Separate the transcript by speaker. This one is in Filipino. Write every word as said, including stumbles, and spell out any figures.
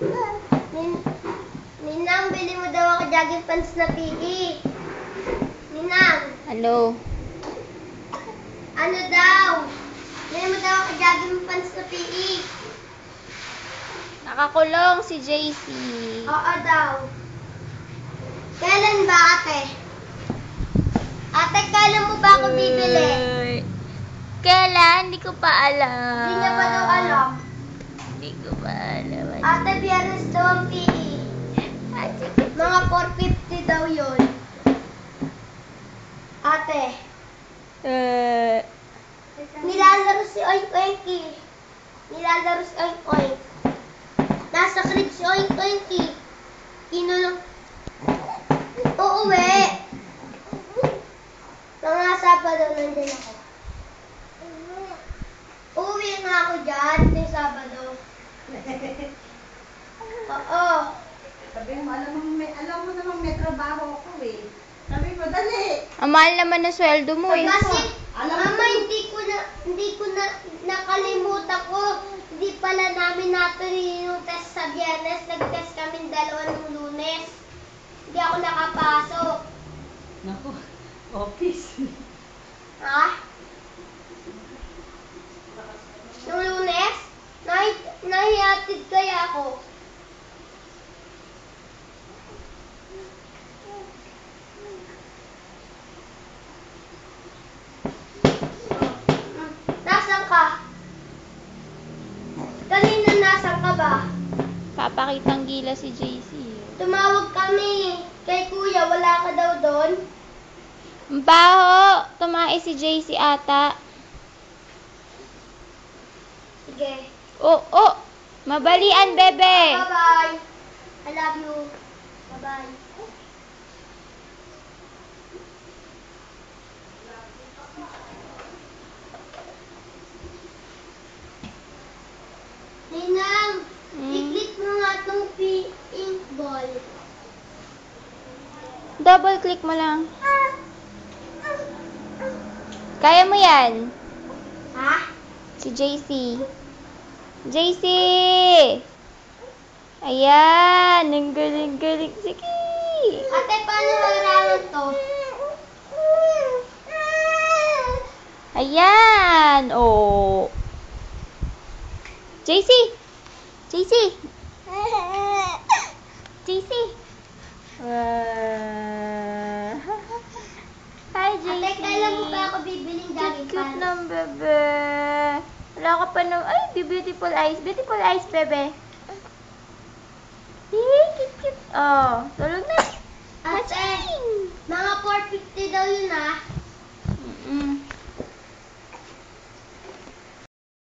Speaker 1: Nin Ninang, bili mo daw ako jogging pants na P E. Ninang.
Speaker 2: Hello.
Speaker 1: Ano daw? Bili mo daw ako jogging pants na P E.
Speaker 2: Nakakulong si J C.
Speaker 1: Oo daw. Kailan ba, ate? Ate, kailan mo ba ako bibili?
Speaker 2: Uy. Kailan? Hindi ko pa alam.
Speaker 1: Hindi niya pa daw alam.
Speaker 2: Hindi ko pa alam.
Speaker 1: Ate, biyernes daw ang P E. Mga four fifty daw yun. Ate.
Speaker 2: Uh,
Speaker 1: Nilalaro si Oink Oinky. Nilalaro si Oink Oink. Nasa crib si Oink Oinky. Inulong. Uuwi. Mga Sabado nandun ako. Uuwi nga ako dyan. Yung Sabado. Oo.
Speaker 3: Sabi mo, alam mo, may, alam mo namang may trabaho ako eh. Sabi mo, dali.
Speaker 2: ang mahal naman na sweldo mo eh.
Speaker 1: Kasi,
Speaker 3: Alam mo-
Speaker 1: mama, hindi ko na, hindi ko na, nakalimutan ko. Hindi pala namin natuloy yung test sa Biyernes. Nag-test kami dalawa ng Lunes. Hindi ako nakapasok.
Speaker 3: Naku, office.
Speaker 1: Ha? Nung Lunes? Nahi, nahihatid kaya ako. Nasaan ka? Kanina nasaan ka ba?
Speaker 2: Papakitang gila si J C.
Speaker 1: Tumawag kami kay kuya, wala ka daw doon?
Speaker 2: Ang baho! Tumae si J C ata.
Speaker 1: Sige.
Speaker 2: Oh, oh! Mabalian, bebe!
Speaker 1: Bye-bye. I love you. Bye-bye. Ninang,
Speaker 2: Hmm?
Speaker 1: i-click mo nga itong pink ball.
Speaker 2: Double click mo lang. Kaya mo yan.
Speaker 1: Ha?
Speaker 2: Si J C. J C! Ayan! Ang galing-galing. Sige!
Speaker 1: Ate, paano harawan to?
Speaker 2: Ayan! Oh! J C! J C! J C! Uh, Hi, J C!
Speaker 1: Ate, kailan mo ba ako bibiling jogging
Speaker 2: Cute
Speaker 1: pants?
Speaker 2: ng bebe. Wala ka pa ng... Ay, di beautiful eyes. Beautiful eyes, bebe. Hey, cute, cute. Oh, tulog na.
Speaker 1: Ate,
Speaker 2: Matching.
Speaker 1: mga four fifty daw yun ah.